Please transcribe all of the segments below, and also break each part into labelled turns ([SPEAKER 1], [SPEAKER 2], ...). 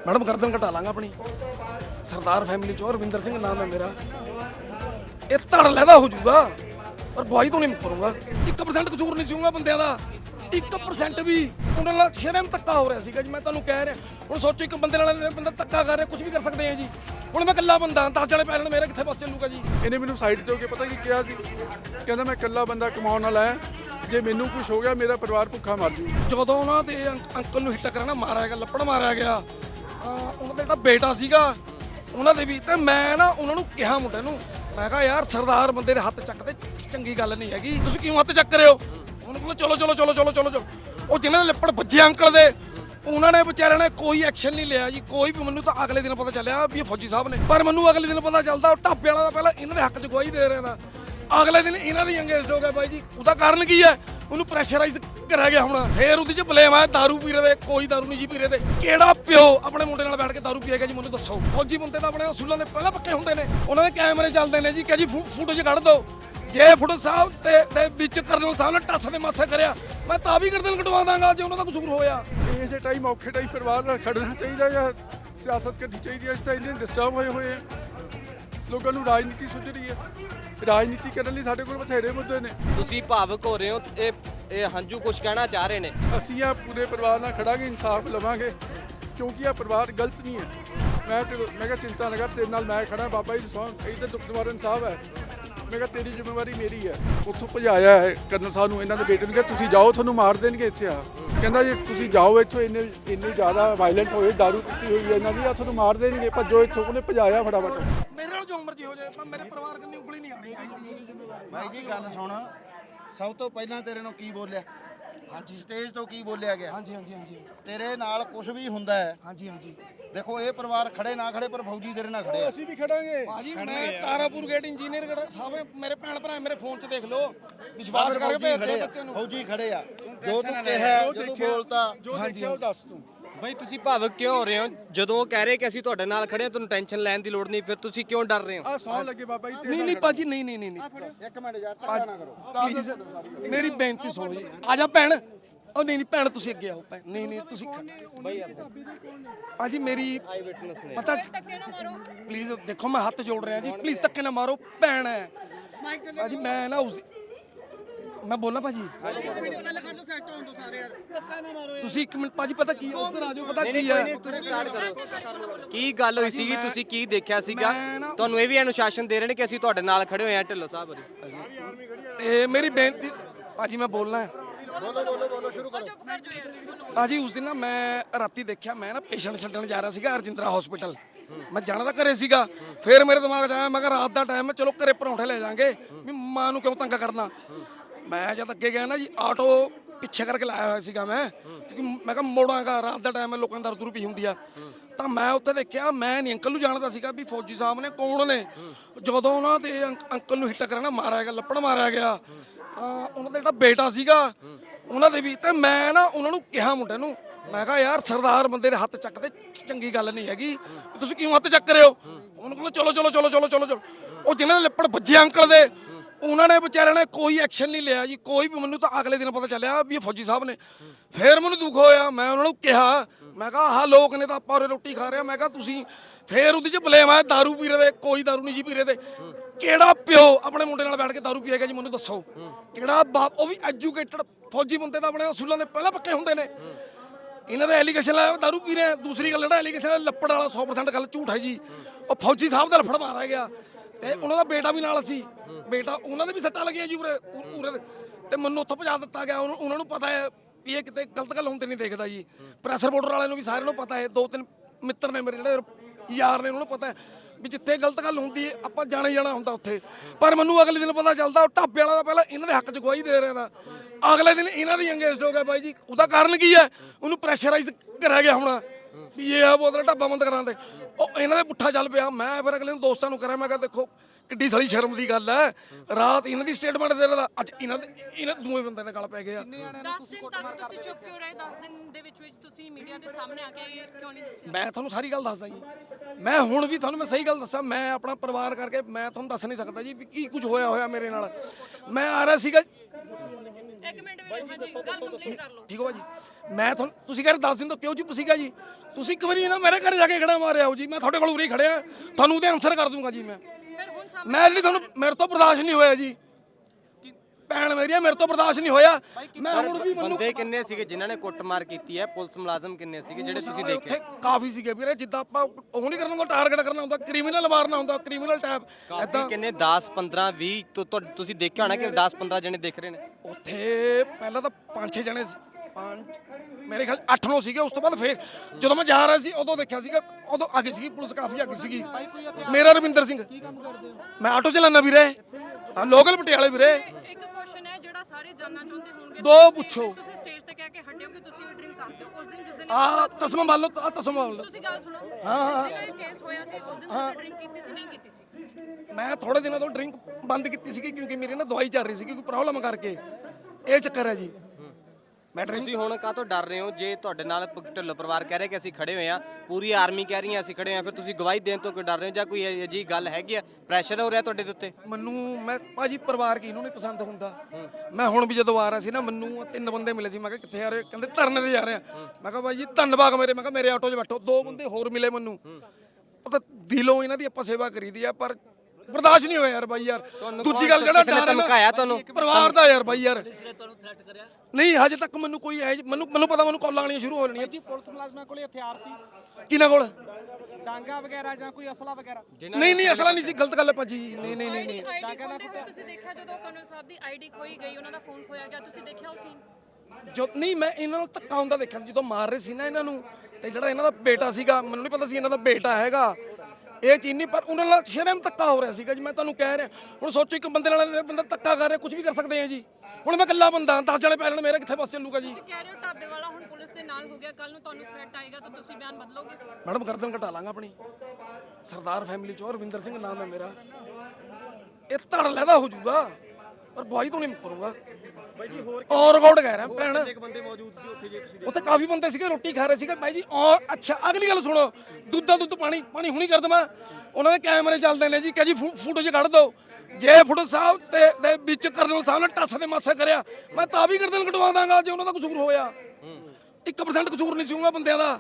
[SPEAKER 1] Madam गर्दन घटा लांगा अपनी सरदार फैमिली चो रविंदर सिंह नाम है मेरा। ये धड़ लैदा हो जूगा पर गवाही तो नहीं मुकरूंगा। 1% कसूर नहीं सीऊंगा बंदे का 1% भी उन्होंने ਨਾਲ ਸ਼ਰਮ ਧੱਕਾ ਹੋ ਰਿਹਾ ਸੀਗਾ ਜੀ। ਮੈਂ ਤੁਹਾਨੂੰ ਕਹਿ ਰਿਹਾ ਹੁਣ ਸੋਚੋ ਇੱਕ ਬੰਦੇ ਨਾਲ ਬੰਦਾ ਧੱਕਾ ਕਰ ਰਿਹਾ ਕੁਝ ਵੀ ਕਰ ਸਕਦੇ ਆ ਜੀ। ਹੁਣ ਮੈਂ ਇਕੱਲਾ ਬੰਦਾ 10 ਜਣੇ ਪੈ ਜਾਣ ਮੇਰੇ ਕਿੱਥੇ ਬਸ ਚੱਲੂਗਾ ਜੀ।
[SPEAKER 2] ਇਹਨੇ ਮੈਨੂੰ ਸਾਈਡ ਤੇ ਹੋ ਕੇ ਪਤਾ ਕੀ ਕਿਹਾ ਸੀ, ਕਹਿੰਦਾ ਮੈਂ ਇਕੱਲਾ ਬੰਦਾ ਕਮਾਉਣ ਵਾਲਾ ਹੈ, ਜੇ ਮੈਨੂੰ ਕੁਝ ਹੋ ਗਿਆ ਮੇਰਾ ਪਰਿਵਾਰ ਭੁੱਖਾ ਮਰ ਜੂ।
[SPEAKER 1] ਜਦੋਂ ਉਹਨਾਂ ਦੇ ਅੰਕਲ ਨੂੰ ਹਿੱਟ ਕਰਾਣਾ ਮਾਰਿਆ ਗਿਆ ਲੱਪੜ ਮਾਰਿਆ ਗਿਆ ਉਹਨਾਂ ਦਾ ਜਿਹੜਾ ਬੇਟਾ ਸੀਗਾ ਉਹਨਾਂ ਦੇ ਵੀ ਤੇ ਮੈਂ ਨਾ ਉਹਨਾਂ ਨੂੰ ਕਿਹਾ ਮੁੰਡੇ ਨੂੰ ਮੈਂ ਕਿਹਾ ਯਾਰ ਸਰਦਾਰ ਬੰਦੇ ਦੇ ਹੱਥ ਚੱਕਦੇ ਚੰਗੀ ਗੱਲ ਨਹੀਂ ਹੈਗੀ ਤੁਸੀਂ ਕਿਉਂ ਹੱਥ ਚੱਕ ਰਹੇ ਹੋ। ਉਹਨਾਂ ਕੋਲ ਚਲੋ ਚਲੋ ਚਲੋ ਚਲੋ ਚਲੋ ਚਲੋ ਉਹ ਜਿਨ੍ਹਾਂ ਦੇ ਲੱਪੜ ਵੱਜੇ ਅੰਕਲ ਦੇ ਉਹਨਾਂ ਨੇ ਵਿਚਾਰਿਆਂ ਨੇ ਕੋਈ ਐਕਸ਼ਨ ਨਹੀਂ ਲਿਆ ਜੀ ਕੋਈ ਵੀ। ਮੈਨੂੰ ਤਾਂ ਅਗਲੇ ਦਿਨ ਪਤਾ ਚੱਲਿਆ ਵੀ ਇਹ ਫੌਜੀ ਸਾਹਿਬ ਨੇ ਪਰ ਮੈਨੂੰ ਅਗਲੇ ਦਿਨ ਪਤਾ ਚੱਲਦਾ ਉਹ ਢਾਬੇ ਵਾਲਾ ਦਾ ਪਹਿਲਾਂ ਇਹਨਾਂ ਦੇ ਹੱਕ 'ਚ ਗਵਾਹੀ ਦੇ ਰਿਹਾ ਦਾ ਅਗਲੇ ਦਿਨ ਇਹਨਾਂ ਦੀ ਅੰਗੇਜਡ ਹੋ ਗਿਆ ਬਾਈ ਜੀ। ਉਹਦਾ ਕਾਰਨ ਕੀ ਹੈ ਉਹਨੂੰ ਪ੍ਰੈਸ਼ਰਾਈਜ਼ ਕਰਿਆ ਗਿਆ ਹੁਣ ਫੇਰ ਉਹਦੇ 'ਚ ਬਲੇਮ ਆਇਆ ਦਾਰੂ ਪੀ ਰਹੇ ਦੇ ਕੋਈ ਦਾਰੂ ਨਹੀਂ ਜੀ ਪੀ ਰਹੇ ਤੇ ਕਿਹੜਾ ਪਿਓ ਆਪਣੇ ਮੁੰਡੇ ਨਾਲ ਬੈਠ ਕੇ ਦਾਰੂ ਪੀਏਗਾ ਜੀ ਮੈਨੂੰ ਦੱਸੋ। ਫੌਜੀ ਬੰਦੇ ਤਾਂ ਆਪਣੇ ਅਸੂਲਾਂ ਦੇ ਪਹਿਲਾਂ ਪੱਕੇ ਹੁੰਦੇ ਨੇ ਉਹਨਾਂ ਦੇ ਕੈਮਰੇ ਚੱਲਦੇ ਨੇ ਜੀ ਕਿ ਜੀ ਫੋਟੋ 'ਚ ਕੱਢ ਦਿਓ। ਜੇ ਫੋਟੋ ਸਾਹਿਬ ਤੇ ਵਿੱਚ ਕਰਨਲ ਸਾਹਿਬ ਨੇ ਟੱਸ ਦੇ ਮਾਸਾ ਕਰਿਆ ਮੈਂ ਤਾਂ ਵੀ ਗਰਦਨ ਕਟਵਾ ਦਾਂਗਾ ਜੇ ਉਹਨਾਂ ਦਾ ਕਸੂਰ ਹੋਇਆ।
[SPEAKER 2] ਇਹ ਜੇ ਟਾਈਮ ਔਖੇ ਟਾਈਮ ਪਰਿਵਾਰ ਨਾਲ ਖੜਨਾ ਚਾਹੀਦਾ ਜਾਂ ਸਿਆਸਤ ਕਰਨੀ ਚਾਹੀਦੀ ਹੈ। ਇਸ ਤਾਂ ਇੰਨੇ ਡਿਸਟਰਬ ਹੋਏ ਆ ਲੋਕਾਂ ਨੂੰ ਰਾਜਨੀਤੀ ਸੁੱਝ ਰਹੀ ਹੈ। ਰਾਜਨੀਤੀ ਕਰਨ ਲਈ ਸਾਡੇ ਕੋਲ ਬਥੇਰੇ ਮੁੱਦੇ ਨੇ।
[SPEAKER 3] ਤੁਸੀਂ ਭਾਵਕ ਹੋ ਰਹੇ ਹੋ ਇਹ ਹੰਝੂ ਕੁਝ ਕਹਿਣਾ ਚਾਹ ਰਹੇ ਨੇ।
[SPEAKER 2] ਅਸੀਂ ਆ ਪੂਰੇ ਪਰਿਵਾਰ ਨਾਲ ਖੜਾਂਗੇ ਇਨਸਾਫ ਲਵਾਂਗੇ ਕਿਉਂਕਿ ਇਹ ਪਰਿਵਾਰ ਗਲਤ ਨਹੀਂ ਹੈ। ਮੈਂ ਕਿਹਾ ਚਿੰਤਾ ਨਾ ਕਰ ਤੇਰੇ ਨਾਲ ਮੈਂ ਖੜਾ ਬਾਬਾ ਜੀ ਸੌਂ ਇਹਦੇ ਦੁੱਖ ਨਿਵਾਰਨ ਸਾਹਿਬ ਹੈ। ਮੈਂ ਕਿਹਾ ਤੇਰੀ ਜ਼ਿੰਮੇਵਾਰੀ ਮੇਰੀ ਹੈ। ਉੱਥੋਂ ਭਜਾਇਆ ਹੈ ਕਰਨਲ ਸਾਹਿਬ ਨੂੰ ਇਹਨਾਂ ਦੇ ਬੇਟੇ ਨੂੰ ਕਿਹਾ ਤੁਸੀਂ ਜਾਓ ਤੁਹਾਨੂੰ ਮਾਰ ਦੇਣਗੇ ਇੱਥੇ ਆ। ਕਹਿੰਦਾ ਜੇ ਤੁਸੀਂ ਜਾਓ ਇੱਥੋਂ ਇੰਨੇ ਜ਼ਿਆਦਾ ਵਾਇਲੈਂਟ ਹੋਏ ਦਾਰੂ ਪੀਤੀ ਹੋਈ ਹੈ ਇਹਨਾਂ ਦੀ ਆ ਤੁਹਾਨੂੰ ਮਾਰ ਦੇਣਗੇ ਭੱਜੋ ਇੱਥੋਂ। ਉਹਨੇ ਭਜਾਇਆ ਫਟਾਫਟ।
[SPEAKER 1] ਮੇਰੇ ਨਾਲ ਜੋ ਮਰਜ਼ੀ ਹੋ ਜਾਏ ਪਰ ਮੇਰੇ ਪਰਿਵਾਰ ਕੰਨੀ ਉਂਗਲੀ ਨਹੀਂ ਆਣੀ ਚਾਹੀਦੀ।
[SPEAKER 4] ਭਾਈ ਜੀ ਗੱਲ ਸੁਣ ਸਭ ਤੋਂ ਪਹਿਲਾਂ ਤੇਰੇ ਨੂੰ ਕੀ ਬੋਲਿਆ
[SPEAKER 1] ਹਾਂਜੀ
[SPEAKER 4] ਸਟੇਜ ਤੋਂ ਕੀ ਬੋਲਿਆ ਗਿਆ
[SPEAKER 1] ਹਾਂਜੀ ਹਾਂਜੀ ਹਾਂਜੀ
[SPEAKER 4] ਤੇਰੇ ਨਾਲ ਕੁਝ ਵੀ ਹੁੰਦਾ ਹੈ
[SPEAKER 1] ਹਾਂਜੀ ਹਾਂਜੀ
[SPEAKER 4] ਦੇਖੋ ਇਹ ਪਰਿਵਾਰ ਖੜੇ ਨਾ ਖੜੇ ਪਰ ਫੌਜੀ ਤੇਰੇ ਨਾਲ ਖੜੇ ਆ।
[SPEAKER 2] ਅਸੀਂ ਵੀ ਖੜਾਂਗੇ
[SPEAKER 1] ਭਾਜੀ ਮੈਂ ਤਾਰਾਪੁਰ ਗੇਟ ਇੰਜੀਨੀਅਰ ਸਾਹਿਬ ਮੇਰੇ ਭੈਣ ਭਰਾ ਮੇਰੇ ਫੋਨ 'ਚ ਦੇਖ ਲਓ ਵਿਸ਼ਵਾਸ ਕਰਕੇ ਭੇਜਦੇ ਬੱਚੇ ਨੂੰ।
[SPEAKER 4] ਫੌਜੀ ਖੜੇ ਆ ਜੋ ਤੂੰ ਕਿਹਾ ਜਦੋਂ ਬੋਲਤਾ
[SPEAKER 2] ਜੋ ਦੇਖਿਆ ਉਹ ਦੱਸ ਤੂੰ।
[SPEAKER 3] ਬਈ ਤੁਸੀਂ ਭਾਵਕ ਕਿਉਂ ਹੋ ਰਹੇ ਹੋ ਜਦੋਂ ਉਹ ਕਹਿ ਰਹੇ ਕਿ ਅਸੀਂ ਤੁਹਾਡੇ ਨਾਲ ਖੜੇ ਹਾਂ ਤੁਹਾਨੂੰ ਟੈਨਸ਼ਨ ਲੈਣ ਦੀ ਲੋੜ ਨਹੀਂ ਫਿਰ ਤੁਸੀਂ ਕਿਉਂ ਡਰ ਰਹੇ ਹੋ।
[SPEAKER 2] ਆ ਸੌਂ ਲੱਗੇ ਬਾਬਾ ਜੀ
[SPEAKER 1] ਨਹੀਂ ਨਹੀਂ ਭਾਜੀ ਨਹੀਂ ਨਹੀਂ ਨਹੀਂ
[SPEAKER 4] ਇੱਕ ਮਿੰਟ ਯਾਰ ਧੱਕਾ ਨਾ ਕਰੋ
[SPEAKER 1] ਪਲੀਜ਼ ਮੇਰੀ ਬੇਨਤੀ ਸੁਣੋ ਜੀ ਆ ਜਾ ਭੈਣ ਉਹ ਨਹੀਂ ਨਹੀਂ ਭੈਣ ਤੁਸੀਂ ਅੱਗੇ ਆਓ ਭੈਣ ਨਹੀਂ ਨਹੀਂ ਤੁਸੀਂ ਭਾਜੀ ਮੇਰੀ ਪਤਾ ਪਲੀਜ਼ ਦੇਖੋ ਮੈਂ ਹੱਥ ਜੋੜ ਰਿਹਾ ਜੀ ਪਲੀਜ਼ ਧੱਕੇ ਨਾ ਮਾਰੋ ਭੈਣ ਹੈ ਭਾਜੀ ਮੈਂ ਨਾ ਉਸ ਮੈਂ ਬੋਲਾਂ ਭਾਜੀ ਤੁਸੀਂ ਇੱਕ ਮਿੰਟ ਭਾਜੀ ਪਤਾ ਕੀ ਉੱਧਰ ਆ ਜਾਓ ਪਤਾ ਕੀ ਹੈ
[SPEAKER 3] ਕੀ ਗੱਲ ਹੋਈ ਸੀਗੀ ਤੁਸੀਂ ਕੀ ਦੇਖਿਆ ਸੀਗਾ ਤੁਹਾਨੂੰ ਇਹ ਵੀ ਅਨੁਸ਼ਾਸਨ ਦੇ ਰਹੇ ਨੇ ਕਿ ਅਸੀਂ ਤੁਹਾਡੇ ਨਾਲ ਖੜੇ ਹੋਏ ਹਾਂ ਢਿੱਲੋਂ ਸਾਹਿਬ ਹੋਰੀ।
[SPEAKER 1] ਤੇ ਮੇਰੀ ਬੇਨਤੀ ਭਾਜੀ ਮੈਂ ਬੋਲਣਾ
[SPEAKER 4] ਬੋਲੋ ਸ਼ੁਰੂ ਕਰੋ।
[SPEAKER 1] ਭਾਜੀ ਉਸ ਦਿਨ ਨਾ ਮੈਂ ਰਾਤੀ ਦੇਖਿਆ ਮੈਂ ਨਾ ਪੇਸ਼ੈਂਟ ਛੱਡਣ ਜਾ ਰਿਹਾ ਸੀਗਾ ਰਜਿੰਦਰਾ ਹਸਪੀਟਲ ਮੈਂ ਜਾਣਾ ਤਾਂ ਘਰੇ ਸੀਗਾ ਫਿਰ ਮੇਰੇ ਦਿਮਾਗ 'ਚ ਆਇਆ ਮੈਂ ਕਿਹਾ ਰਾਤ ਦਾ ਟਾਈਮ ਹੈ ਚਲੋ ਘਰੇ ਪਰੌਂਠੇ ਲੈ ਜਾਾਂਗੇ ਵੀ ਮਾਂ ਨੂੰ ਕਿਉਂ ਤੰਗ ਕਰਨਾ। ਮੈਂ ਜਦ ਅੱਗੇ ਗਿਆ ਨਾ ਜੀ ਆਟੋ ਪਿੱਛੇ ਕਰਕੇ ਲਾਇਆ ਹੋਇਆ ਸੀਗਾ ਮੈਂ ਕਿਉਂਕਿ ਮੈਂ ਕਿਹਾ ਮੋੜਾਂਗਾ ਰਾਤ ਦਾ ਟਾਈਮ ਹੈ ਲੋਕਾਂ ਦੀ ਦਰਦ ਪਈ ਹੁੰਦੀ ਆ ਤਾਂ ਮੈਂ ਉੱਥੇ ਦੇਖਿਆ ਮੈਂ ਨਹੀਂ ਅੰਕਲ ਨੂੰ ਜਾਣਦਾ ਸੀਗਾ ਵੀ ਫੌਜੀ ਸਾਹਿਬ ਨੇ ਕੌਣ ਨੇ। ਜਦੋਂ ਉਹਨਾਂ ਦੇ ਅੰਕਲ ਨੂੰ ਹਿੱਟ ਕਰਾਣਾ ਮਾਰਿਆ ਗਿਆ ਲੱਪੜ ਮਾਰਿਆ ਗਿਆ ਉਹਨਾਂ ਦਾ ਜਿਹੜਾ ਬੇਟਾ ਸੀਗਾ ਉਹਨਾਂ ਦੇ ਵੀ ਤੇ ਮੈਂ ਨਾ ਉਹਨਾਂ ਨੂੰ ਕਿਹਾ ਮੁੰਡੇ ਨੂੰ ਮੈਂ ਕਿਹਾ ਯਾਰ ਸਰਦਾਰ ਬੰਦੇ ਦੇ ਹੱਥ ਚੱਕਦੇ ਚੰਗੀ ਗੱਲ ਨਹੀਂ ਹੈਗੀ ਤੁਸੀਂ ਕਿਉਂ ਹੱਥ ਚੱਕ ਰਹੇ ਹੋ। ਉਹਨਾਂ ਕੋਲ ਚਲੋ ਚਲੋ ਚਲੋ ਚਲੋ ਚਲੋ ਚਲੋ ਉਹ ਜਿਨ੍ਹਾਂ ਦੇ ਲੱਪੜ ਵੱਜੇ ਅੰਕਲ ਦੇ ਉਹਨਾਂ ਨੇ ਵਿਚਾਰਿਆਂ ਨੇ ਕੋਈ ਐਕਸ਼ਨ ਨਹੀਂ ਲਿਆ ਜੀ ਕੋਈ ਵੀ। ਮੈਨੂੰ ਤਾਂ ਅਗਲੇ ਦਿਨ ਪਤਾ ਚੱਲਿਆ ਵੀ ਇਹ ਫੌਜੀ ਸਾਹਿਬ ਨੇ ਫੇਰ ਮੈਨੂੰ ਦੁੱਖ ਹੋਇਆ ਮੈਂ ਉਹਨਾਂ ਨੂੰ ਕਿਹਾ ਮੈਂ ਕਿਹਾ ਆਹ ਲੋਕ ਨੇ ਤਾਂ ਆਪਾਂ ਉਰੇ ਰੋਟੀ ਖਾ ਰਹੇ ਮੈਂ ਕਿਹਾ ਤੁਸੀਂ ਫੇਰ ਉਹਦੇ 'ਚ ਬਲੇਮ ਆਇਆ ਦਾਰੂ ਪੀ ਰਹੇ ਦੇ ਕੋਈ ਦਾਰੂ ਨਹੀਂ ਜੀ ਪੀ ਰਹੇ ਤੇ ਕਿਹੜਾ ਪਿਓ ਆਪਣੇ ਮੁੰਡੇ ਨਾਲ ਬੈਠ ਕੇ ਦਾਰੂ ਪੀਏਗਾ ਜੀ ਮੈਨੂੰ ਦੱਸੋ। ਕਿਹੜਾ ਬਾਪ ਉਹ ਵੀ ਐਜੂਕੇਟਡ ਫੌਜੀ ਬੰਦੇ ਤਾਂ ਆਪਣੇ ਅਸੂਲਾਂ ਦੇ ਪਹਿਲਾਂ ਪੱਕੇ ਹੁੰਦੇ ਨੇ। ਇਹਨਾਂ ਦਾ ਐਲੀਗੇਸ਼ਨ ਲਾਇਆ ਦਾਰੂ ਪੀ ਰਹੇ ਦੂਸਰੀ ਗੱਲ ਜਿਹੜਾ ਐਲੀਗੇਸ਼ਨ ਲੱਪੜ ਵਾਲਾ 100% ਗੱਲ ਝੂਠ ਹੈ ਜੀ। ਉਹ ਫੌਜੀ ਸਾਹਿਬ ਦਾ ਲਫੜ ਮਾਰਿਆ ਗਿਆ ਤੇ ਉਹਨਾਂ ਦਾ ਬੇਟਾ ਵੀ ਨਾਲ ਸੀ ਬੇਟਾ ਉਹਨਾਂ ਦੇ ਵੀ ਸੱਟਾਂ ਲੱਗੀਆਂ ਜੀ ਉਰੇ ਤੇ ਮੈਨੂੰ ਉੱਥੋਂ ਭਜਾ ਦਿੱਤਾ ਗਿਆ। ਉਹਨਾਂ ਨੂੰ ਪਤਾ ਹੈ ਵੀ ਇਹ ਕਿਤੇ ਗਲਤ ਗੱਲ ਹੁੰਦੀ ਨਹੀਂ ਦੇਖਦਾ ਜੀ। ਪ੍ਰੈਸ ਰਿਪੋਰਟਰ ਵਾਲਿਆਂ ਨੂੰ ਵੀ ਸਾਰਿਆਂ ਨੂੰ ਪਤਾ ਹੈ 2-3 ਮਿੱਤਰ ਨੇ ਮੇਰੇ ਜਿਹੜੇ ਯਾਰ ਨੇ ਉਹਨਾਂ ਨੂੰ ਪਤਾ ਹੈ ਵੀ ਜਿੱਥੇ ਗਲਤ ਗੱਲ ਹੁੰਦੀ ਹੈ ਆਪਾਂ ਜਾਣਾ ਹੀ ਜਾਣਾ ਹੁੰਦਾ ਉੱਥੇ। ਪਰ ਮੈਨੂੰ ਅਗਲੇ ਦਿਨ ਪਤਾ ਚੱਲਦਾ ਉਹ ਢਾਬੇ ਵਾਲਾ ਦਾ ਪਹਿਲਾਂ ਇਹਨਾਂ ਦੇ ਹੱਕ 'ਚ ਗਵਾਹੀ ਦੇ ਰਿਹਾ ਦਾ ਅਗਲੇ ਦਿਨ ਇਹਨਾਂ ਦੀ ਅੰਗੇਜਡ ਹੋ ਗਿਆ ਬਾਈ ਜੀ। ਉਹਦਾ ਕਾਰਨ ਕੀ ਹੈ ਉਹਨੂੰ ਪ੍ਰੈਸ਼ਰਾਈਜ਼ ਕਰਿਆ ਗਿਆ ਹੁਣ ਵੀ ਇਹ ਆ ਬੋਤਲ ਢਾਬਾ ਬੰਦ ਕਰਾਂ ਤੇ ਉਹ ਇਹਨਾਂ ਦੇ ਪੁੱਠਾ ਚੱਲ ਪਿਆ। ਮੈਂ ਫਿਰ ਅਗਲੇ ਦਿਨ ਦੋਸਤਾਂ ਨੂੰ ਕਰਿਆ ਮੈਂ ਕਿਹਾ ਦੇਖੋ ਕਿੱਡੀ ਸਾਲੀ ਸ਼ਰਮ ਦੀ ਗੱਲ ਹੈ। ਰਾਤ ਇਹਨਾਂ ਦੀ ਸਟੇਟਮੈਂਟ ਦੇ ਰਿਹਾ, ਅੱਜ ਇਹਨਾਂ ਦੋਵੇਂ ਬੰਦਿਆਂ ਦੇ ਗੱਲ ਪੈ ਗਏ ਆ।
[SPEAKER 5] 10 ਦਿਨ ਤੱਕ ਤੁਸੀਂ ਚੁੱਪ ਕਿਉਂ ਰਹੇ? 10 ਦਿਨ ਦੇ ਵਿੱਚ ਤੁਸੀਂ ਮੀਡੀਆ ਦੇ ਸਾਹਮਣੇ ਆ ਕੇ ਕਿਉਂ ਨਹੀਂ ਦੱਸਿਆ?
[SPEAKER 1] ਮੈਂ ਤੁਹਾਨੂੰ ਸਾਰੀ ਗੱਲ ਦੱਸਦਾ ਜੀ, ਮੈਂ ਹੁਣ ਵੀ ਤੁਹਾਨੂੰ ਮੈਂ ਸਹੀ ਗੱਲ ਦੱਸਾਂ, ਮੈਂ ਆਪਣਾ ਪਰਿਵਾਰ ਕਰਕੇ ਮੈਂ ਤੁਹਾਨੂੰ ਦੱਸ ਨਹੀਂ ਸਕਦਾ ਜੀ ਵੀ ਕੀ ਕੁਝ ਹੋਇਆ ਮੇਰੇ ਨਾਲ। ਮੈਂ ਆ ਰਿਹਾ ਸੀਗਾ,
[SPEAKER 5] ਇੱਕ ਮਿੰਟ ਵੀਰੇ, ਹਾਂਜੀ ਗੱਲ ਕੰਪਲੀਟ ਕਰ ਲਓ।
[SPEAKER 1] ਠੀਕ ਹੋ ਜੀ, ਮੈਂ ਤੁਹਾਨੂੰ ਤੁਸੀਂ ਕਹਿੰਦੇ 10 ਦਿਨ ਤੋਂ ਕਿਉਂ ਚੁੱਪ ਸੀਗਾ ਜੀ? ਤੁਸੀਂ ਇੱਕ ਵਾਰੀ ਨਾ ਮੇਰੇ ਘਰ ਜਾ ਕੇ ਖੜਾ ਮਾਰਿਆ ਹੋ ਜੀ, ਮੈਂ ਤੁਹਾਡੇ ਕੋਲ ਉਰੇ ਖੜਿਆ, ਤੁਹਾਨੂੰ ਉਹਦੇ ਆਨਸਰ ਕਰ ਦੂੰਗਾ ਜੀ।
[SPEAKER 5] ਫਿਰ ਹੁਣ
[SPEAKER 1] ਮੈਂ ਜਿਹੜੀ ਤੁਹਾਨੂੰ ਮੇਰੇ ਤੋਂ ਬਰਦਾਸ਼ਤ ਨਹੀਂ ਹੋਇਆ ਜੀ, ਭੈਣ ਮੇਰੀ ਮੇਰੇ ਤੋਂ ਬਰਦਾਸ਼ਤ ਨਹੀਂ ਹੋਇਆ। ਮੈਂ ਹੁਣ ਵੀ ਮੈਨੂੰ
[SPEAKER 3] ਬੰਦੇ ਕਿੰਨੇ ਸੀਗੇ ਜਿਨ੍ਹਾਂ ਨੇ ਕੁੱਟਮਾਰ ਕੀਤੀ ਹੈ? ਪੁਲਿਸ ਮੁਲਾਜ਼ਮ ਕਿੰਨੇ ਸੀਗੇ ਜਿਹੜੇ ਤੁਸੀਂ ਦੇਖੇ?
[SPEAKER 1] ਉੱਥੇ ਕਾਫੀ ਸੀਗੇ ਵੀਰੇ, ਜਿੱਦਾਂ ਆਪਾਂ ਉਹ ਨਹੀਂ ਕਰਨਾ ਹੁੰਦਾ, ਟਾਰਗੇਟ ਕਰਨਾ ਹੁੰਦਾ, ਕ੍ਰਿਮੀਨਲ ਮਾਰਨਾ ਹੁੰਦਾ, ਕ੍ਰਿਮੀਨਲ ਟਾਈਪ
[SPEAKER 3] ਕਾਫੀ ਕਿੰਨੇ 10 15 20 ਤੁਸੀਂ ਦੇਖਿਆ ਹੋਣਾ ਕਿ 10 15 ਜਣੇ ਦਿਖ ਰਹੇ ਨੇ
[SPEAKER 1] ਉੱਥੇ। ਪਹਿਲਾਂ ਤਾਂ 5-6 ਜਣੇ ਮੇਰੇ ਖਿਆਲ 8-9 ਸੀਗੇ। ਉਸ ਤੋਂ ਬਾਅਦ ਫੇਰ ਜਦੋਂ ਮੈਂ ਜਾ ਰਿਹਾ ਸੀ ਉਦੋਂ ਦੇਖਿਆ ਸੀਗਾ, ਉਦੋਂ ਅੱਗੇ ਸੀਗੀ ਪੁਲਿਸ, ਕਾਫੀ ਅੱਗੇ ਸੀਗੀ। ਮੇਰਾ ਰਵਿੰਦਰ ਸਿੰਘ, ਮੈਂ ਆਟੋ ਚਲਾਉਣਾ ਵੀਰੇ, ਲੋਕਲ ਪਟਿਆਲੇ ਵੀਰੇ।
[SPEAKER 5] ਇੱਕ ਕੁਐਸਚਨ ਹੈ ਜਿਹੜਾ ਸਾਰੇ ਜਾਨਣਾ ਚਾਹੁੰਦੇ ਹੋਣਗੇ,
[SPEAKER 1] ਦੋ ਪੁੱਛੋ।
[SPEAKER 5] ਤੁਸੀਂ ਸਟੇਜ ਤੇ ਕਹਿ ਕੇ ਹਟਿਓ ਕਿ ਤੁਸੀਂ ਇਹ ਡਰਿੰਕ ਕਰਦੇ ਹੋ। ਉਸ ਦਿਨ ਜਿਸ ਦਿਨ
[SPEAKER 1] ਤਸਮਾ ਮੰਨ ਲਓ, ਤਸਮਾ ਮੰਨ ਲਓ।
[SPEAKER 5] ਤੁਸੀਂ ਗੱਲ ਸੁਣੋ, ਜਿਸ ਦਿਨ ਕੇਸ ਹੋਇਆ ਸੀ ਉਸ ਦਿਨ ਤੁਸੀਂ ਡਰਿੰਕ ਕੀਤੀ ਸੀ ਨਹੀਂ ਕੀਤੀ ਸੀ?
[SPEAKER 1] ਮੈਂ ਥੋੜੇ ਦਿਨਾਂ ਤੋਂ ਡਰਿੰਕ ਬੰਦ ਕੀਤੀ ਸੀਗੀ ਕਿਉਂਕਿ ਮੇਰੀ ਨਾ ਦਵਾਈ ਚੱਲ ਰਹੀ ਸੀਗੀ, ਕੋਈ ਪ੍ਰੋਬਲਮ ਕਰਕੇ। ਇਹ ਚੱਕਰ ਹੈ ਜੀ। ਮੈਂ ਡਰਿੰਕ
[SPEAKER 3] ਤੁਸੀਂ ਹੁਣ ਕਾਹਤੋਂ ਡਰ ਰਹੇ ਹੋ? ਜੇ ਤੁਹਾਡੇ ਨਾਲ ਢਿੱਲੋਂ ਪਰਿਵਾਰ ਕਹਿ ਰਿਹਾ ਕਿ ਅਸੀਂ ਖੜੇ ਹੋਏ ਆ, ਪੂਰੀ ਆਰਮੀ ਕਹਿ ਰਹੀ ਹੈ ਅਸੀਂ ਖੜੇ ਆ, ਫਿਰ ਤੁਸੀਂ ਗਵਾਹੀ ਦੇਣ ਤੋਂ ਕਿਉਂ ਡਰ ਰਹੇ ਹੋ? ਜਾਂ ਕੋਈ ਅਜਿਹੀ ਗੱਲ ਹੈਗੀ ਆ, ਪ੍ਰੈਸ਼ਰ ਹੋ ਰਿਹਾ ਤੁਹਾਡੇ ਦੇ ਉੱਤੇ?
[SPEAKER 1] ਮੈਨੂੰ ਮੈਂ ਭਾਜੀ ਪਰਿਵਾਰ ਕਿਹਨੂੰ ਨਹੀਂ ਪਸੰਦ ਹੁੰਦਾ। ਮੈਂ ਹੁਣ ਵੀ ਜਦੋਂ ਆ ਰਿਹਾ ਸੀ ਨਾ, ਮੈਨੂੰ 3 ਬੰਦੇ ਮਿਲੇ ਸੀ, ਮੈਂ ਕਿਹਾ ਕਿੱਥੇ ਆ ਰਹੇ? ਕਹਿੰਦੇ ਧਰਨੇ ਤੇ ਜਾ ਰਹੇ ਆ। ਮੈਂ ਕਿਹਾ ਭਾਈ ਜੀ ਧੰਨਵਾਦ ਮੇਰੇ, ਮੈਂ ਕਿਹਾ ਮੇਰੇ ਆਟੋ 'ਚ ਬੈਠੋ। 2 ਬੰਦੇ ਹੋਰ ਮਿਲੇ ਮੈਨੂੰ, ਪਤਾ ਦਿਲੋਂ ਇਹਨਾਂ ਦੀ ਆਪਾਂ ਸੇਵਾ ਕਰੀਦੀ ਆ, ਪਰ ਬਰਦਾਸ਼ਤ ਨਹੀਂ ਹੋਇਆ ਯਾਰ ਬਾਈ ਯਾਰ। ਦੂਜੀ ਗੱਲ ਜਿਹੜਾ
[SPEAKER 3] ਕਿਸੇ ਨੇ ਧਮਕਾਇਆ ਤੁਹਾਨੂੰ?
[SPEAKER 1] ਪਰਿਵਾਰ ਦਾ ਯਾਰ ਬਾਈ ਯਾਰ। ਨਹੀਂ ਹਜੇ ਤੱਕ ਮੈਨੂੰ ਕੋਈ ਮੈਨੂੰ ਪਤਾ ਮੈਨੂੰ ਕਾਲਾਂ ਆਉਣੀਆਂ ਸ਼ੁਰੂ ਹੋ ਜਾਣੀਆਂ।
[SPEAKER 6] ਜੀ ਪੁਲਿਸ ਮੁਲਾਜ਼ਮਾਂ ਕੋਲੇ ਹਥਿਆਰ ਸੀ,
[SPEAKER 1] ਕਿਹਨਾਂ ਕੋਲ?
[SPEAKER 6] ਡਾਂਗਾ ਵਗੈਰਾ ਜਾਂ ਕੋਈ ਅਸਲਾ ਵਗੈਰਾ?
[SPEAKER 1] ਨਹੀਂ ਅਸਲਾ ਨਹੀਂ ਸੀ, ਗਲਤ ਗੱਲ ਹੈ ਭਾਜੀ। ਨਹੀਂ
[SPEAKER 5] ਆਈਡੀ ਖੋਹਦੇ ਹੋਏ ਤੁਸੀਂ ਦੇਖਿਆ? ਜਦੋਂ ਕਰਨਲ ਸਾਹਿਬ ਦੀ ਆਈਡੀ ਖੋਈ ਗਈ, ਉਹਨਾਂ ਦਾ ਫੋਨ ਖੋਇਆ ਗਿਆ, ਤੁਸੀਂ ਦੇਖਿਆ ਉਹ ਸੀਨ?
[SPEAKER 1] ਜੋ ਨਹੀਂ ਮੈਂ ਇਹਨਾਂ ਨੂੰ ਧੱਕਾ ਹੁੰਦਾ ਦੇਖਿਆ ਸੀ ਜਦੋਂ ਮਾਰ ਰਹੇ ਸੀ ਨਾ ਇਹਨਾਂ ਨੂੰ। ਤੇ ਜਿਹੜਾ ਇਹਨਾਂ ਦਾ ਬੇਟਾ ਸੀਗਾ, ਮੈਨੂੰ ਨਹੀਂ ਪਤਾ ਸੀ ਇਹਨਾਂ ਦਾ ਬੇਟਾ ਹੈਗਾ ਇਹ ਚੀਜ਼ ਨਹੀਂ, ਪਰ ਉਹਨਾਂ ਨਾਲ ਸ਼ਰਮ ਧੱਕਾ ਹੋ ਰਿਹਾ ਸੀਗਾ ਜੀ। ਮੈਂ ਤੁਹਾਨੂੰ ਕਹਿ ਰਿਹਾ, ਹੁਣ ਸੋਚੋ ਇੱਕ ਬੰਦੇ ਨਾਲ ਬੰਦਾ ਧੱਕਾ ਕਰ ਰਿਹਾ, ਕੁਝ ਵੀ ਕਰ ਸਕਦੇ ਆ ਜੀ। ਹੁਣ ਮੈਂ ਇਕੱਲਾ ਬੰਦਾ, 10 ਜਣੇ ਪੈ ਜਾਣ, ਮੇਰਾ ਕਿੱਥੇ ਬਸ ਚੱਲੂਗਾ ਜੀ।
[SPEAKER 5] ਤੁਸੀਂ ਕਹਿ ਰਹੇ ਹੋ ਢਾਬੇ ਵਾਲਾ ਹੁਣ ਪੁਲਿਸ ਦੇ ਨਾਲ ਹੋ ਗਿਆ, ਕੱਲ ਨੂੰ ਤੁਹਾਨੂੰ ਥ੍ਰੈਟ ਆਏਗਾ ਤਾਂ ਤੁਸੀਂ ਬਿਆਨ ਬਦਲੋਗੇ?
[SPEAKER 1] ਮੈਡਮ ਗਰਦਨ ਘਟਾ ਲਾਂਗਾ ਆਪਣੀ। ਸਰਦਾਰ ਫੈਮਿਲੀ ਚੋਂ ਰਵਿੰਦਰ ਸਿੰਘ ਨਾਮ ਹੈ ਮੇਰਾ। ਇਹ ਧੜ ਲੈਦਾ ਹੋ ਜਾਊਗਾ, ਪਰ ਗਵਾਹੀ ਤੋਂ ਨਹੀਂ ਕਰੂੰਗਾ ਬਾਈ ਜੀ। ਹੋਰ ਰਿਕਾਰਡ ਕਹਿ ਰਿਹਾ ਭੈਣ,
[SPEAKER 6] ਬੰਦੇ ਮੌਜੂਦ ਸੀ ਉੱਥੇ ਜੇ ਤੁਸੀਂ
[SPEAKER 1] ਉੱਥੇ ਕਾਫੀ ਬੰਦੇ ਸੀਗੇ, ਰੋਟੀ ਖਾ ਰਹੇ ਸੀਗੇ ਬਾਈ ਜੀ। ਔਰ ਅੱਛਾ ਅਗਲੀ ਗੱਲ ਸੁਣੋ, ਦੁੱਧ ਪਾਣੀ ਹੁਣੀ ਕਰ ਦਵਾਂ। ਉਹਨਾਂ ਦੇ ਕੈਮਰੇ ਚੱਲਦੇ ਨੇ ਜੀ, ਕਹੇ ਜੀ ਫੋਟੋ 'ਚ ਕੱਢ ਦਿਓ। ਜੇ ਫੋਟੋ ਸਾਹਿਬ ਦੇ ਵਿੱਚ ਕਰਨਲ ਸਾਹਿਬ ਨੇ ਟੱਸ ਦੇ ਮਾਸਾ ਕਰਿਆ, ਮੈਂ ਤਾਂ ਵੀ ਗਰਦਨ ਕਟਵਾ ਦਾਂਗਾ ਜੇ ਉਹਨਾਂ ਦਾ ਕਸੂਰ ਹੋਇਆ। 1% ਕਸੂਰ ਨਹੀਂ ਸੀ ਉਹਨਾਂ ਬੰਦਿਆਂ ਦਾ,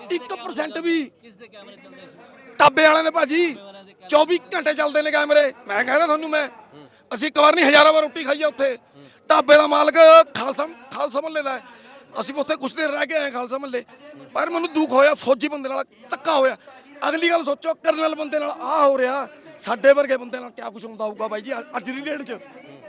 [SPEAKER 1] 1% ਵੀ।
[SPEAKER 6] ਕਿਸ ਦੇ ਕੈਮਰੇ ਚੱਲਦੇ ਸੀ?
[SPEAKER 1] ਢਾਬੇ ਵਾਲਿਆਂ ਦੇ ਭਾਜੀ 24 ਘੰਟੇ ਚੱਲਦੇ ਨੇ ਕੈਮਰੇ। ਮੈਂ ਕਹਿ ਰਿਹਾ ਤੁਹਾਨੂੰ, ਅਸੀਂ ਇੱਕ ਵਾਰ ਨਹੀਂ ਹਜ਼ਾਰਾਂ ਵਾਰ ਰੋਟੀ ਖਾਈ ਆ ਉੱਥੇ। ਢਾਬੇ ਦਾ ਮਾਲਕ ਖਾਲਸਾ ਮਹੱਲੇ ਦਾ ਹੈ। ਅਸੀਂ ਉੱਥੇ ਕੁਛ ਦੇਰ ਰਹਿ ਕੇ ਆਏ ਖਾਲਸਾ ਮਹੱਲੇ, ਪਰ ਮੈਨੂੰ ਦੁੱਖ ਹੋਇਆ, ਫੌਜੀ ਬੰਦੇ ਨਾਲ ਧੱਕਾ ਹੋਇਆ। ਅਗਲੀ ਗੱਲ ਸੋਚੋ, ਕਰਨਲ ਬੰਦੇ ਨਾਲ ਆਹ ਹੋ ਰਿਹਾ, ਸਾਡੇ ਵਰਗੇ ਬੰਦੇ ਨਾਲ ਕਿਆ ਕੁਛ ਹੁੰਦਾ ਹੋਊਗਾ ਬਾਈ ਜੀ ਅੱਜ ਦੀ ਡੇਟ 'ਚ।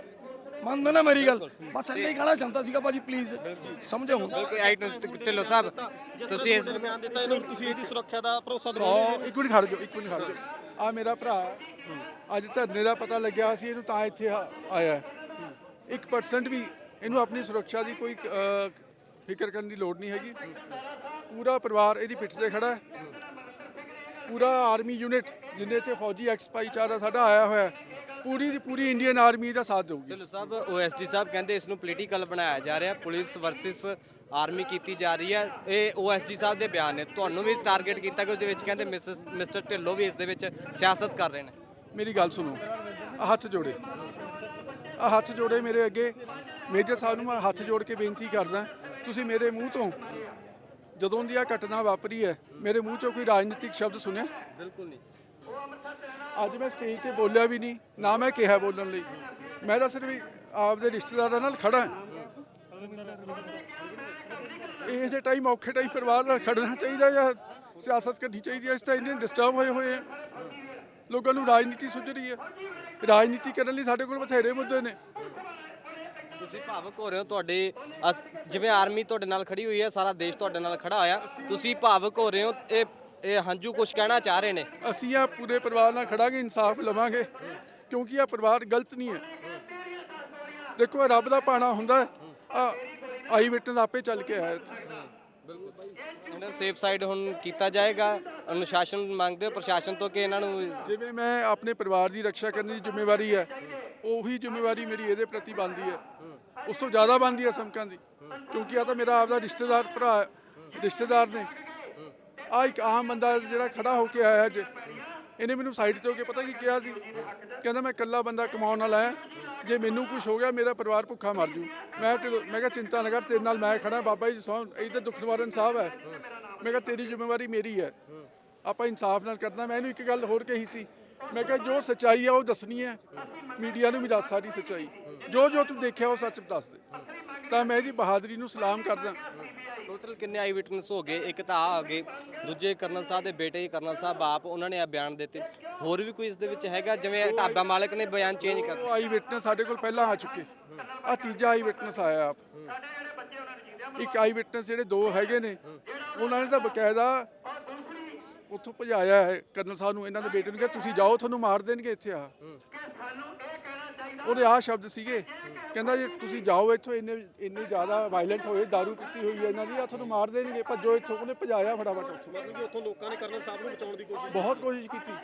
[SPEAKER 1] ਮੰਨਦੇ ਨਾ ਮੇਰੀ ਗੱਲ? ਬਸ ਇੰਨਾ ਹੀ ਕਹਿਣਾ ਚਾਹੁੰਦਾ ਸੀਗਾ ਭਾਜੀ, ਪਲੀਜ਼ ਸਮਝੋ ਹੁਣ।
[SPEAKER 3] ਢਿੱਲੋਂ ਸਾਹਿਬ ਤੁਸੀਂ ਇਸ
[SPEAKER 6] ਬਿਆਨ ਦਿੱਤਾ, ਇਹਨੂੰ ਤੁਸੀਂ ਇਹਦੀ ਸੁਰੱਖਿਆ ਦਾ ਭਰੋਸਾ
[SPEAKER 2] ਇੱਕ ਮਿੰਟ ਖੜ ਜਾਓ। ਆ ਮੇਰਾ ਭਰਾ ਅੱਜ ਧਰਨੇ ਦਾ ਪਤਾ ਲੱਗਿਆ ਸੀ, ਇਹਨੂੰ ਤਾਂ ਇੱਥੇ ਆਇਆ। 1% ਵੀ ਇਹਨੂੰ ਆਪਣੀ ਸੁਰੱਖਿਆ ਦੀ ਕੋਈ ਫਿਕਰ ਕਰਨ ਦੀ ਲੋੜ ਨਹੀਂ ਹੈਗੀ। ਪੂਰਾ ਪਰਿਵਾਰ ਇਹਦੀ ਪਿੱਠ ਤੇ ਖੜਾ ਹੈ। ਪੂਰਾ ਆਰਮੀ ਯੂਨਿਟ ਜਿੰਨੇ ਇੱਥੇ ਫੌਜੀ ਐਕਸ ਭਾਈਚਾਰਾ ਸਾਡਾ ਆਇਆ ਹੋਇਆ, ਪੂਰੀ ਦੀ ਪੂਰੀ ਇੰਡੀਅਨ ਆਰਮੀ ਦਾ ਸਾਥ ਦੇਊਗੀ।
[SPEAKER 3] ਢਿੱਲੋਂ ਸਾਹਿਬ OSD ਸਾਹਿਬ ਕਹਿੰਦੇ ਇਸ ਨੂੰ ਪੋਲੀਟੀਕਲ ਬਣਾਇਆ ਜਾ ਰਿਹਾ, ਪੁਲਿਸ ਵਰਸਸ ਆਰਮੀ ਕੀਤੀ ਜਾ ਰਹੀ ਹੈ। ਇਹ OSD ਸਾਹਿਬ ਦੇ ਬਿਆਨ ਨੇ, ਤੁਹਾਨੂੰ ਵੀ ਟਾਰਗੇਟ ਕੀਤਾ ਕਿ ਉਹਦੇ ਵਿੱਚ ਕਹਿੰਦੇ ਮਿਸਟਰ ਢਿੱਲੋਂ ਵੀ ਇਸ ਦੇ ਵਿੱਚ ਸਿਆਸਤ ਕਰ ਰਹੇ ਨੇ।
[SPEAKER 2] ਮੇਰੀ ਗੱਲ ਸੁਣੋ, ਹੱਥ ਜੋੜੇ, ਹੱਥ ਜੋੜੇ ਮੇਰੇ ਅੱਗੇ। ਮੇਜਰ ਸਾਹਿਬ ਨੂੰ ਮੈਂ ਹੱਥ ਜੋੜ ਕੇ ਬੇਨਤੀ ਕਰਦਾ, ਤੁਸੀਂ ਮੇਰੇ ਮੂੰਹ ਤੋਂ ਜਦੋਂ ਦੀ ਆ ਘਟਨਾ ਵਾਪਰੀ ਹੈ, ਮੇਰੇ ਮੂੰਹ ਚੋਂ ਕੋਈ ਰਾਜਨੀਤਿਕ ਸ਼ਬਦ ਸੁਣਿਆ?
[SPEAKER 3] ਬਿਲਕੁਲ ਨਹੀਂ।
[SPEAKER 2] ਅੱਜ ਮੈਂ ਸਟੇਜ ਤੇ ਬੋਲਿਆ ਵੀ ਨਹੀਂ, ਨਾ ਮੈਂ ਕਿਹਾ ਬੋਲਣ ਲਈ। ਮੈਂ ਤਾਂ ਸਿਰਫ ਆਪਦੇ ਰਿਸ਼ਤੇਦਾਰਾਂ ਨਾਲ ਖੜਾ। ਇਸ ਦੇ ਟਾਈਮ ਔਖੇ ਟਾਈਮ ਪਰਿਵਾਰ ਨਾਲ ਖੜਨਾ ਚਾਹੀਦਾ ਜਾਂ ਸਿਆਸਤ ਕਰਨੀ ਚਾਹੀਦੀ ਹੈ? ਇਸ ਤਾਂ ਇੰਨੇ ਡਿਸਟਰਬ ਹੋਏ ਆ, ਲੋਕਾਂ ਨੂੰ ਰਾਜਨੀਤੀ ਸੁੱਝ ਰਹੀ ਹੈ। ਰਾਜਨੀਤੀ ਕਰਨ ਲਈ ਸਾਡੇ ਕੋਲ ਬਥੇਰੇ ਮੁੱਦੇ ਨੇ।
[SPEAKER 3] ਤੁਸੀਂ ਭਾਵੁਕ ਹੋ ਰਹੇ ਹੋ, ਤੁਹਾਡੇ ਜਿਵੇਂ ਆਰਮੀ ਤੁਹਾਡੇ ਨਾਲ ਖੜੀ ਹੋਈ ਹੈ, ਸਾਰਾ ਦੇਸ਼ ਤੁਹਾਡੇ ਨਾਲ ਖੜਾ ਹੋਇਆ, ਤੁਸੀਂ ਭਾਵੁਕ ਹੋ ਰਹੇ ਹੋ। ਇਹ ਹੰਝੂ ਕੁਝ ਕਹਿਣਾ ਚਾਹ ਰਹੇ ਨੇ?
[SPEAKER 2] ਅਸੀਂ ਆ ਪੂਰੇ ਪਰਿਵਾਰ ਨਾਲ ਖੜਾਂਗੇ, ਇਨਸਾਫ ਲਵਾਂਗੇ, ਕਿਉਂਕਿ ਇਹ ਪਰਿਵਾਰ ਗਲਤ ਨਹੀਂ ਹੈ। ਦੇਖੋ ਰੱਬ ਦਾ ਭਾਣਾ ਹੁੰਦਾ, ਆਈ ਵਿਟਨੈਸ ਆਪੇ ਚੱਲ ਕੇ ਆਇਆ।
[SPEAKER 3] ਇਹਨਾਂ ਸੇਫ ਸਾਈਡ ਹੁਣ ਕੀਤਾ ਜਾਏਗਾ। ਅਨੁਸ਼ਾਸਨ ਮੰਗਦੇ ਹੋ ਪ੍ਰਸ਼ਾਸਨ ਤੋਂ ਕਿ ਇਹਨਾਂ ਨੂੰ
[SPEAKER 2] ਜਿਵੇਂ ਮੈਂ ਆਪਣੇ ਪਰਿਵਾਰ ਦੀ ਰੱਖਿਆ ਕਰਨ ਦੀ ਜ਼ਿੰਮੇਵਾਰੀ ਹੈ, ਉਹੀ ਜ਼ਿੰਮੇਵਾਰੀ ਮੇਰੀ ਇਹਦੇ ਪ੍ਰਤੀ ਬਣਦੀ ਹੈ। ਉਸ ਤੋਂ ਜ਼ਿਆਦਾ ਬਣਦੀ ਹੈ ਸਮਕਾਂ ਦੀ, ਕਿਉਂਕਿ ਆ ਤਾਂ ਮੇਰਾ ਆਪਦਾ ਰਿਸ਼ਤੇਦਾਰ ਭਰਾ ਰਿਸ਼ਤੇਦਾਰ ਨੇ। ਆ ਇੱਕ ਆਮ ਬੰਦਾ ਜਿਹੜਾ ਖੜਾ ਹੋ ਕੇ ਆਇਆ ਅੱਜ, ਇਹਨੇ ਮੈਨੂੰ ਸਾਈਡ ਤੇ ਹੋ ਕੇ ਪਤਾ ਕੀ ਕਿਹਾ ਸੀ, ਕਹਿੰਦਾ ਮੈਂ ਇਕੱਲਾ ਬੰਦਾ ਕਮਾਉਣ ਵਾਲਾ ਆ, ਜੇ ਮੈਨੂੰ ਕੁਝ ਹੋ ਗਿਆ ਮੇਰਾ ਪਰਿਵਾਰ ਭੁੱਖਾ ਮਰ ਜੂ। ਮੈਂ ਕਿਹਾ ਚਿੰਤਾ ਨਾ ਕਰ, ਤੇਰੇ ਨਾਲ ਮੈਂ ਖੜਾ, ਬਾਬਾ ਜੀ ਸੌਂ ਇੱਧਰ ਦੁੱਖ ਨਿਵਾਰਨ ਸਾਹਿਬ ਹੈ। ਮੈਂ ਕਿਹਾ ਤੇਰੀ ਜ਼ਿੰਮੇਵਾਰੀ ਮੇਰੀ ਹੈ, ਆਪਾਂ ਇਨਸਾਫ ਨਾਲ ਕਰਨਾ। ਮੈਂ ਇਹਨੂੰ ਇੱਕ ਗੱਲ ਹੋਰ ਕਹੀ ਸੀ, ਮੈਂ ਕਿਹਾ ਜੋ ਸੱਚਾਈ ਆ ਉਹ ਦੱਸਣੀ ਹੈ, ਮੀਡੀਆ ਨੂੰ ਵੀ ਦੱਸ ਸਾਰੀ ਸੱਚਾਈ, ਜੋ ਤੂੰ ਦੇਖਿਆ ਉਹ ਸੱਚ ਦੱਸ ਦੇ। ਤਾਂ ਮੈਂ ਇਹਦੀ ਬਹਾਦਰੀ ਨੂੰ ਸਲਾਮ ਕਰਦਾ।
[SPEAKER 3] ਟੋਟਲ ਕਿੰਨੇ ਆਈ ਵਿਟਨੈਸ ਹੋ ਗਏ? ਇੱਕ ਤਾਂ ਆ ਗਏ, ਦੂਜੇ ਕਰਨਲ ਸਾਹਿਬ ਦੇ ਬੇਟੇ ਕਰਨਲ ਸਾਹਿਬ ਆਪ, ਉਹਨਾਂ ਨੇ ਆ ਬਿਆਨ ਦਿੱਤੇ। ਹੋਰ ਵੀ ਕੋਈ ਇਸ ਦੇ ਵਿੱਚ ਹੈਗਾ? ਜਿਵੇਂ ਢਾਬਾ ਮਾਲਕ ਨੇ ਬਿਆਨ ਚੇਂਜ ਕਰ
[SPEAKER 2] ਉਹ ਆਈ ਵਿਟਨੈਸ ਸਾਡੇ ਕੋਲ ਪਹਿਲਾਂ ਆ ਚੁੱਕੇ, ਆ ਤੀਜਾ ਆਈ ਵਿਟਨੈਸ ਆਇਆ ਆਪ। ਇੱਕ ਆਈ ਵਿਟਨੈਸ ਜਿਹੜੇ ਦੋ ਹੈਗੇ ਨੇ, ਉਹਨਾਂ ਨੇ ਤਾਂ ਬਕਾਇਦਾ ਉੱਥੋਂ ਭਜਾਇਆ ਹੈ ਕਰਨਲ ਸਾਹਿਬ ਨੂੰ, ਇਹਨਾਂ ਦੇ ਬੇਟੇ ਨੂੰ ਕਿਹਾ ਤੁਸੀਂ ਜਾਓ, ਤੁਹਾਨੂੰ ਮਾਰ ਦੇਣਗੇ ਇੱਥੇ ਆ। ਉਹਦੇ ਆ ਸ਼ਬਦ ਸੀਗੇ, ਕਹਿੰਦਾ ਜੇ ਤੁਸੀਂ ਜਾਓ ਇੱਥੋਂ, ਇੰਨੇ ਜ਼ਿਆਦਾ ਵਾਇਲੈਂਟ ਹੋਏ, ਦਾਰੂ ਪੀਤੀ ਹੋਈ ਹੈ ਇਹਨਾਂ ਦੀ, ਆ ਤੁਹਾਨੂੰ ਮਾਰ ਦੇਣਗੇ, ਭੱਜੋ ਇੱਥੋਂ। ਉਹਨੇ ਭਜਾਇਆ ਫਟਾਫਟ ਉੱਥੋਂ।
[SPEAKER 6] ਮਤਲਬ ਕਿ ਉੱਥੋਂ ਲੋਕਾਂ ਨੇ ਕਰਨਲ ਸਾਹਿਬ ਨੂੰ ਬਚਾਉਣ ਦੀ ਕੋਸ਼ਿਸ਼
[SPEAKER 2] ਬਹੁਤ ਕੋਸ਼ਿਸ਼ ਕੀਤੀ।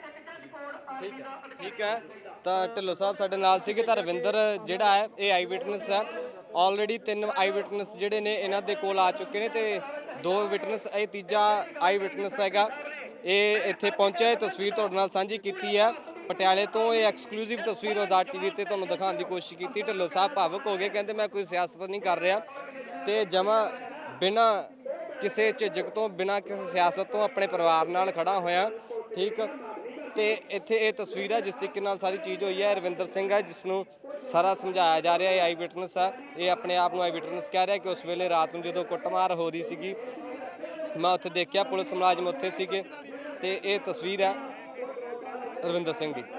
[SPEAKER 3] ਠੀਕ ਹੈ। ਤਾਂ ਢਿੱਲੋਂ ਸਾਹਿਬ ਸਾਡੇ ਨਾਲ ਸੀਗੇ। ਤਾਂ ਰਵਿੰਦਰ ਜਿਹੜਾ ਹੈ ਇਹ ਆਈ ਵਿਟਨੈਸ ਹੈ। ਆਲਰੇਡੀ 3 ਆਈ ਵਿਟਨੈਸ ਜਿਹੜੇ ਨੇ ਇਹਨਾਂ ਦੇ ਕੋਲ ਆ ਚੁੱਕੇ ਨੇ, ਤੇ 2 ਵਿਟਨੈਸ, ਇਹ ਤੀਜਾ ਆਈ ਵਿਟਨੈਸ ਹੈਗਾ। ਇਹ ਇੱਥੇ ਪਹੁੰਚਿਆ, ਇਹ ਤਸਵੀਰ ਤੁਹਾਡੇ ਨਾਲ ਸਾਂਝੀ ਕੀਤੀ ਹੈ ਪਟਿਆਲੇ ਤੋਂ। ਇਹ ਐਕਸਕਲੂਸਿਵ ਤਸਵੀਰ ਆਜ਼ਾਦ ਟੀਵੀ ਤੇ ਤੁਹਾਨੂੰ ਦਿਖਾਉਣ ਦੀ ਕੋਸ਼ਿਸ਼ ਕੀਤੀ। ਢਿੱਲੋਂ ਸਾਹਿਬ ਭਾਵੁਕ ਹੋ ਗਏ, ਕਹਿੰਦੇ ਮੈਂ ਕੋਈ ਸਿਆਸਤ ਨਹੀਂ ਕਰ ਰਿਹਾ, ਤੇ ਜਮਾਂ ਬਿਨਾਂ ਕਿਸੇ ਝਿਜਕ ਤੋਂ, ਬਿਨਾਂ ਕਿਸੇ ਸਿਆਸਤ ਤੋਂ ਆਪਣੇ ਪਰਿਵਾਰ ਨਾਲ ਖੜਾ ਹੋਇਆ। ਠੀਕ, ਤੇ ਇੱਥੇ ਇਹ ਤਸਵੀਰ ਹੈ ਜਿਸ ਤਰੀਕੇ ਨਾਲ ਸਾਰੀ ਚੀਜ਼ ਹੋਈ ਹੈ। ਰਵਿੰਦਰ ਸਿੰਘ ਹੈ ਜਿਸ ਨੂੰ ਸਾਰਾ ਸਮਝਾਇਆ ਜਾ ਰਿਹਾ ਹੈ, ਆਈ ਵਿਟਨੈਸ ਹੈ। ਇਹ ਆਪਣੇ ਆਪ ਨੂੰ ਆਈ ਵਿਟਨੈਸ ਕਹਿ ਰਿਹਾ ਕਿ ਉਸ ਵੇਲੇ ਰਾਤ ਨੂੰ ਜਦੋਂ ਕੁੱਟਮਾਰ ਹੋ ਰਹੀ ਸੀਗੀ, ਮੈਂ ਉੱਥੇ ਦੇਖਿਆ, ਪੁਲਿਸ ਮੁਲਾਜ਼ਮ ਉੱਥੇ ਸੀਗੇ। ਤੇ ਇਹ ਤਸਵੀਰ ਹੈ ਰਵਿੰਦਰ ਸਿੰਘ ਦੀ।